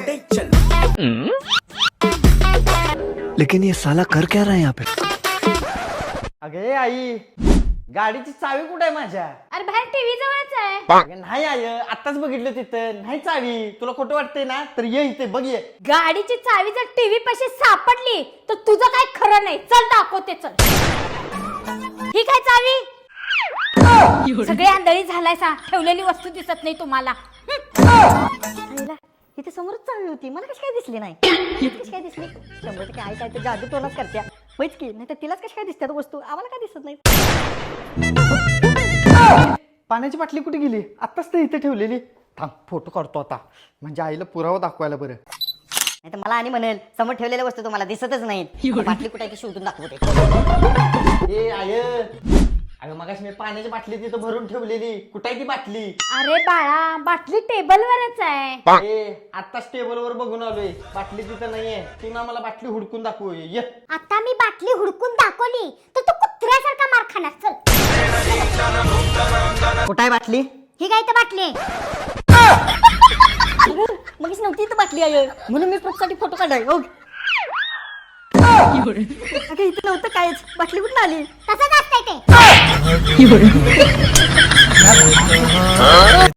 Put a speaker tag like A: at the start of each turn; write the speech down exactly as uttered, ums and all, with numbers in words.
A: लेकिन ये साला कर क्या रहा है यहाँ पे?
B: अगे आई, गाडीची चावी कुठे आहे माझ्या?
C: अरे बाहेर टीव्ही जवळच आहे.
B: अगं नाही आय, आताच बघितलं तिथं नाही चावी. तुला खोटं वाटतंय ना तर ये इथे बघ ये.
C: गाडीची चावी जर टीव्ही पाशी सापडली तर तुझं काय खरं नाही. चल दाखवते चल. ही काय चावी? सगळे आंधळी झालाय सा. ठेवलेली वस्तू दिसत नाही तुम्हाला. आईला, इथे समोरच चावी होती, मला कशी काय दिसली नाही? कशी काय दिसली? शंभर टक्के आई काय तर जादू टोनाच करत्या. होईच की, नाही तर तिलाच कशी काय दिसतात वस्तू, आम्हाला काय दिसत नाही.
B: पाण्याची बाटली कुठे गेली? आत्ताच तर इथे ठेवलेली. थांब फोटो काढतो आता, म्हणजे आईला पुरावा दाखवायला बरं.
D: नाही तर मला आणि म्हणेल समोर ठेवलेल्या वस्तू तुम्हाला दिसतच नाहीत. बाटली कुठे आहे ती शोधून दाखवते.
B: ए आय, अगं मगाशी मी पाण्याची बाटली तिथं भरून ठेवलेली. कुठे आहे ती बाटली?
C: अरे बाळा, बाटली टेबलवरच आहे.
B: ए आत्ताच टेबल वर बघून आलोय, बाटली तिथं नाहीये. तू ना मला बाटली हुडकून दाखव ये.
C: आता मी बाटली हुडकून दाखवली तर तू कुत्र्यासारखा मार खाणार. चल.
D: कुठे आहे बाटली?
C: ही काय तर बाटली?
D: मगच नव्हती तर बाटली आहे म्हणून मी प्रूफसाठी फोटो काढाय. हो अगं इथे नव्हतं कायच, बाटली कुठून आली?
C: तसंच असतंय ते.